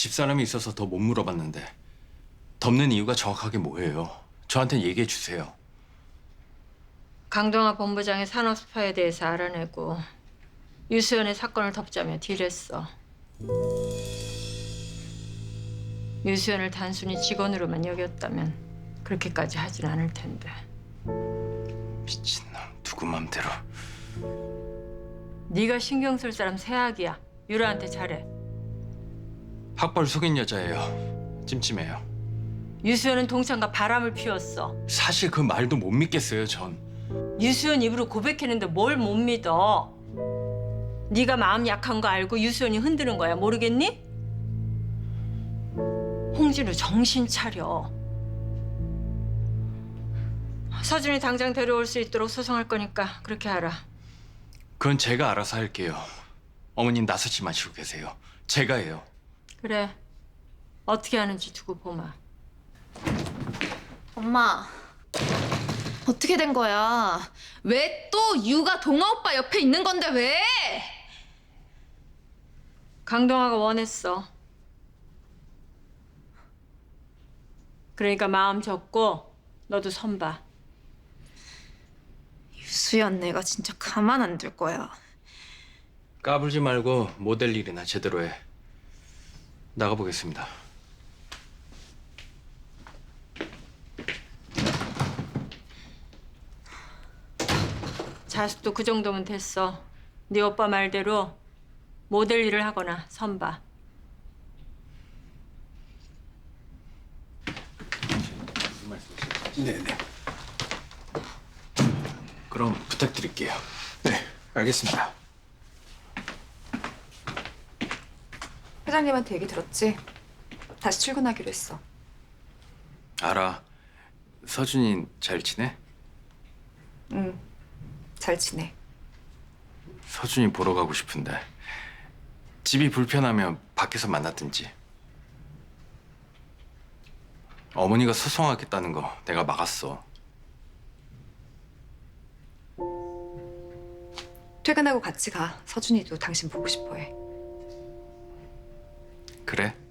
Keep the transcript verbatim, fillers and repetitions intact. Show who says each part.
Speaker 1: 집사람이 있어서 더 못 물어봤는데 덮는 이유가 정확하게 뭐예요? 저한테 얘기해 주세요.
Speaker 2: 강동아 본부장의 산업 스파에 대해서 알아내고 유수연의 사건을 덮자며 딜했어. 유수연을 단순히 직원으로만 여겼다면 그렇게까지 하진 않을 텐데.
Speaker 1: 미친놈, 누구 맘대로.
Speaker 2: 네가 신경 쓸 사람 세학이야. 유라한테 잘해.
Speaker 1: 학벌 속인 여자예요. 찜찜해요.
Speaker 2: 유수연은 동창과 바람을 피웠어.
Speaker 1: 사실 그 말도 못 믿겠어요, 전.
Speaker 2: 유수연 입으로 고백했는데 뭘 못 믿어. 네가 마음 약한 거 알고 유수연이 흔드는 거야. 모르겠니? 홍진우 정신 차려. 서준이 당장 데려올 수 있도록 소송할 거니까 그렇게 하라.
Speaker 1: 그건 제가 알아서 할게요. 어머님 나서지 마시고 계세요. 제가 해요.
Speaker 2: 그래. 어떻게 하는지 두고 보마.
Speaker 3: 엄마, 어떻게 된 거야? 왜 또 유가 동아 오빠 옆에 있는 건데 왜?
Speaker 2: 강동아가 원했어. 그러니까 마음 접고 너도 선봐.
Speaker 3: 유수연 내가 진짜 가만 안 둘 거야.
Speaker 1: 까불지 말고 모델 일이나 제대로 해. 나가보겠습니다.
Speaker 2: 자숙도 그 정도면 됐어. 네 오빠 말대로 모델 일을 하거나 선봐.
Speaker 1: 네네. 그럼 부탁드릴게요.
Speaker 4: 네, 알겠습니다.
Speaker 5: 회장님한테 얘기 들었지? 다시 출근하기로 했어.
Speaker 1: 알아. 서준이 잘 지내?
Speaker 5: 응, 잘 지내.
Speaker 1: 서준이 보러 가고 싶은데 집이 불편하면 밖에서 만났든지. 어머니가 소송하겠다는 거 내가 막았어.
Speaker 5: 퇴근하고 같이 가. 서준이도 당신 보고 싶어해.
Speaker 1: 그래?